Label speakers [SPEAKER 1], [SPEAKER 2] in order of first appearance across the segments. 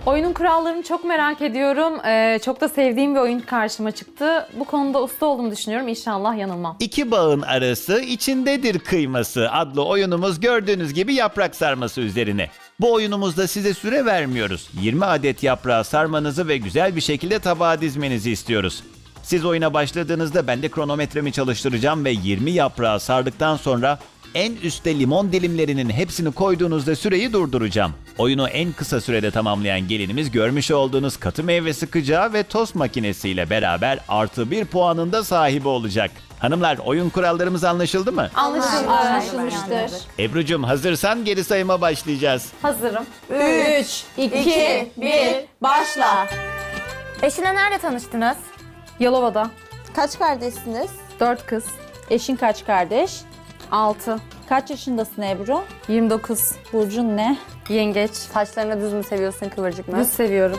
[SPEAKER 1] Oyunun kurallarını çok merak ediyorum. Çok da sevdiğim bir oyun karşıma çıktı. Bu konuda usta olduğumu düşünüyorum. İnşallah yanılmam.
[SPEAKER 2] İki bağın arası içindedir kıyması adlı oyunumuz gördüğünüz gibi yaprak sarması üzerine. Bu oyunumuzda size süre vermiyoruz. 20 adet yaprağı sarmanızı ve güzel bir şekilde tabağa dizmenizi istiyoruz. Siz oyuna başladığınızda ben de kronometremi çalıştıracağım ve 20 yaprağı sardıktan sonra en üstte limon dilimlerinin hepsini koyduğunuzda süreyi durduracağım. Oyunu en kısa sürede tamamlayan gelinimiz görmüş olduğunuz katı meyve sıkacağı ve tost makinesiyle beraber +1 puanın da sahibi olacak. Hanımlar, oyun kurallarımız anlaşıldı mı?
[SPEAKER 1] Anlaşılmıştır.
[SPEAKER 2] Ebru'cum hazırsan geri sayıma başlayacağız.
[SPEAKER 1] Hazırım.
[SPEAKER 3] 3, 2, 1, başla.
[SPEAKER 4] Eşinle nerede tanıştınız?
[SPEAKER 1] Yalova'da.
[SPEAKER 3] Kaç kardeşsiniz?
[SPEAKER 1] 4 kız.
[SPEAKER 5] Eşin kaç kardeş?
[SPEAKER 1] 6.
[SPEAKER 5] Kaç yaşındasın Ebru?
[SPEAKER 1] 29.
[SPEAKER 5] Burcun ne?
[SPEAKER 1] Yengeç.
[SPEAKER 6] Saçlarını düz mü seviyorsun, kıvırcık mı?
[SPEAKER 1] Düz seviyorum.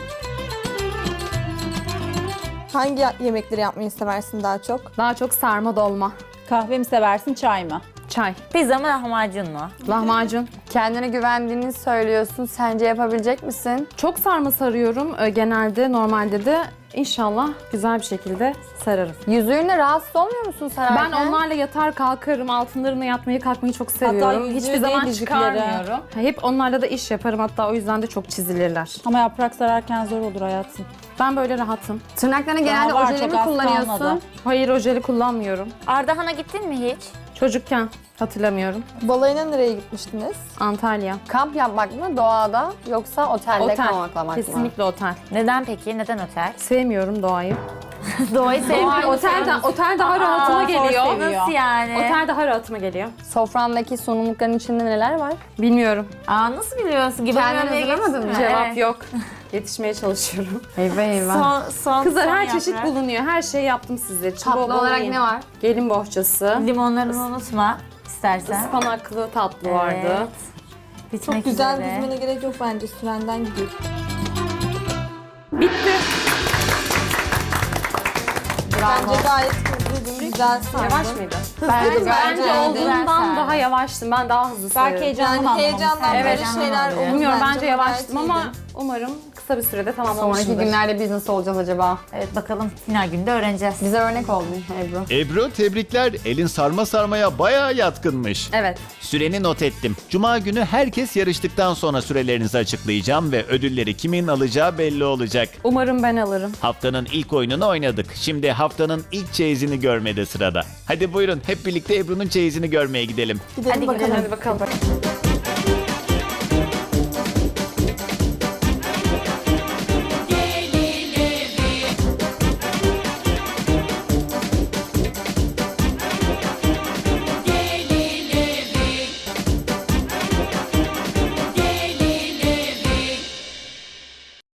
[SPEAKER 3] Hangi yemekleri yapmayı seversin daha çok?
[SPEAKER 1] Daha çok sarma dolma.
[SPEAKER 5] Kahve mi seversin, çay mı?
[SPEAKER 1] Çay.
[SPEAKER 4] Pizza mı lahmacun mu?
[SPEAKER 1] Lahmacun.
[SPEAKER 6] Kendine güvendiğini söylüyorsun. Sence yapabilecek misin?
[SPEAKER 1] Çok sarma sarıyorum genelde, normalde de. İnşallah güzel bir şekilde sararım.
[SPEAKER 6] Yüzüğünle rahatsız olmuyor musun sararken?
[SPEAKER 1] Ben onlarla yatar kalkarım, altınlarına yatmayı kalkmayı çok seviyorum.
[SPEAKER 5] yüzüğü
[SPEAKER 1] Hiçbir
[SPEAKER 5] değil,
[SPEAKER 1] zaman
[SPEAKER 5] yüzükleri.
[SPEAKER 1] çıkarmıyorum. Hep onlarla da iş yaparım, hatta o yüzden de çok çizilirler.
[SPEAKER 5] Ama yaprak sararken zor olur hayatım.
[SPEAKER 1] Ben böyle rahatım.
[SPEAKER 6] Tırnaklarına genelde
[SPEAKER 5] Daha var,
[SPEAKER 6] ojeli
[SPEAKER 5] çok
[SPEAKER 6] mi
[SPEAKER 5] az
[SPEAKER 6] kullanıyorsun?
[SPEAKER 5] kalmadı.
[SPEAKER 1] Hayır, ojeli kullanmıyorum.
[SPEAKER 4] Ardahan'a gittin mi hiç?
[SPEAKER 1] Çocukken hatırlamıyorum.
[SPEAKER 3] Balayına nereye gitmiştiniz?
[SPEAKER 1] Antalya.
[SPEAKER 6] Kamp yapmak mı doğada yoksa otelde konaklamak mı?
[SPEAKER 1] Kesinlikle otel.
[SPEAKER 4] Neden peki? Neden otel?
[SPEAKER 1] Sevmiyorum doğayı.
[SPEAKER 4] Doğayı sevmiyorum.
[SPEAKER 1] Otel daha rahatıma geliyor.
[SPEAKER 4] Nasıl yani?
[SPEAKER 1] Otel daha rahatıma geliyor.
[SPEAKER 6] Sofrandaki sunumlukların içinde neler var?
[SPEAKER 1] Bilmiyorum.
[SPEAKER 4] Nasıl biliyorsun? Gibi
[SPEAKER 6] Kendin
[SPEAKER 4] bir yemeğe
[SPEAKER 6] hazırlamadın
[SPEAKER 4] geçtin
[SPEAKER 6] mı?
[SPEAKER 4] mi?
[SPEAKER 1] Cevap
[SPEAKER 4] Evet.
[SPEAKER 1] yok. Yetişmeye çalışıyorum.
[SPEAKER 6] Eyvah eyvah.
[SPEAKER 4] Son
[SPEAKER 1] Kızlar her
[SPEAKER 4] yaprak.
[SPEAKER 1] çeşit bulunuyor. Her şeyi yaptım sizler için.
[SPEAKER 6] Tatlı
[SPEAKER 1] Bol bol
[SPEAKER 6] olarak
[SPEAKER 1] yiyin.
[SPEAKER 6] ne var?
[SPEAKER 1] Gelin bohçası.
[SPEAKER 4] Limonlarını unutma istersen.
[SPEAKER 1] Ispanaklı tatlı vardı.
[SPEAKER 4] Evet. Bitmek
[SPEAKER 3] Çok güzel
[SPEAKER 4] üzere.
[SPEAKER 3] dizmene gerek yok bence. Sürenden gidiyor.
[SPEAKER 1] Bitti.
[SPEAKER 3] Bence gayet hızlıydın, güzel sardın.
[SPEAKER 1] Yavaş mıydı?
[SPEAKER 3] Hızlıydın
[SPEAKER 1] Bence
[SPEAKER 3] bence.
[SPEAKER 1] olduğundan daha yavaştım. Ben daha hızlı
[SPEAKER 5] Belki
[SPEAKER 1] sayıyorum.
[SPEAKER 5] heyecanlı
[SPEAKER 3] Yani heyecandan
[SPEAKER 4] Evet,
[SPEAKER 3] böyle
[SPEAKER 4] heyecandan
[SPEAKER 3] şeyler
[SPEAKER 4] oluyor.
[SPEAKER 3] olur
[SPEAKER 1] Bilmiyorum, bence
[SPEAKER 3] Gayet
[SPEAKER 1] yavaştım ama
[SPEAKER 3] iyiydin.
[SPEAKER 1] umarım kısa bir sürede
[SPEAKER 6] Sonraki
[SPEAKER 1] tamamlamışımdır.
[SPEAKER 6] günlerde biz nasıl olacağız acaba?
[SPEAKER 4] Evet bakalım final günde öğreneceğiz.
[SPEAKER 6] Bize örnek oldun Ebru.
[SPEAKER 2] Ebru tebrikler, elin sarma sarmaya bayağı yatkınmış.
[SPEAKER 1] Evet.
[SPEAKER 2] Süreni not ettim. Cuma günü herkes yarıştıktan sonra sürelerinizi açıklayacağım ve ödülleri kimin alacağı belli olacak.
[SPEAKER 1] Umarım ben alırım.
[SPEAKER 2] Haftanın ilk oyununu oynadık. Şimdi haftanın ilk çeyizini görmede sırada. Hadi buyurun hep birlikte Ebru'nun çeyizini görmeye gidelim.
[SPEAKER 3] Gidelim
[SPEAKER 4] Hadi
[SPEAKER 3] bakalım.
[SPEAKER 4] gidelim.
[SPEAKER 1] Hadi bakalım.